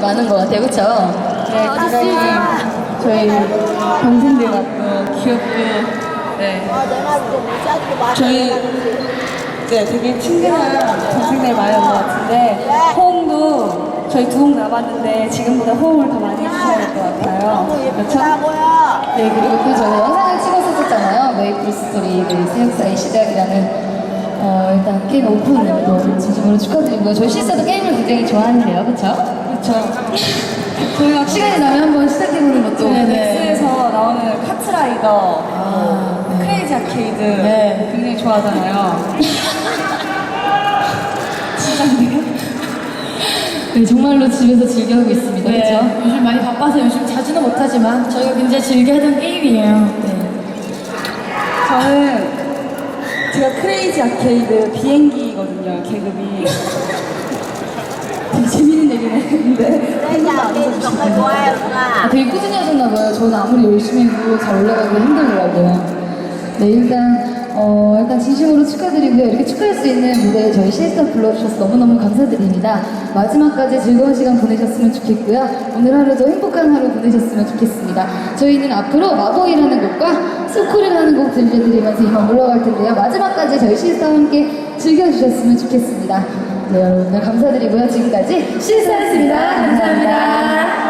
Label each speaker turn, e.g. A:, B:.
A: 많은 것 같아요, 그쵸?
B: 네, 굉장히 저희 동생들 같고 귀엽고 네. 저희 네, 되게 친근한 동생들 많이 온것 같은데 호응도 저희 두 곡 남았는데 지금보다 호응을 더 많이 해주셔야 될 것 같아요. 그렇죠?
A: 네, 그리고 또 저희 영상을 찍었었잖아요. 메이플 스토리 그 새역사의 시작이라는 일단 게임 오픈을 진심으로 축하드리고요. 저희 실사도 게임을 굉장히 좋아하는데요, 그쵸?
B: 그렇죠.
A: 저희가 시간이 나면 한번 시작해보는 것도
B: 넥스에서 나오는 카트라이더,
A: 네.
B: 크레이지 아케이드
A: 네.
B: 굉장히 좋아하잖아요. 진짜인데요?
A: 네, 정말로 집에서 즐겨하고 있습니다, 그쵸?
C: 요즘 많이 바빠서 요즘 자주는 못하지만 저희가 굉장히 즐겨하던 게임이에요. 네.
B: 저는 제가 크레이지 아케이드 비행기거든요, 계급이. 되게 재밌는 얘기네. 근데
A: 되게 꾸준히 하셨나봐요. 저는 아무리 열심히 해도 잘 올라가기 힘들더라고요. 네, 일단 진심으로 축하드리고요. 이렇게 축하할 수 있는 무대에 저희 시스터 불러주셔서 너무너무 감사드립니다. 마지막까지 즐거운 시간 보내셨으면 좋겠고요. 오늘 하루도 행복한 하루 보내셨으면 좋겠습니다. 저희는 앞으로 마법이라는 곡과 소쿨이라는 곡 들려드리면서 이만 물러갈 텐데요. 마지막까지 저희 시스터와 함께 즐겨주셨으면 좋겠습니다. 네, 여러분들 감사드리고요. 지금까지 시스터였습니다. 감사합니다.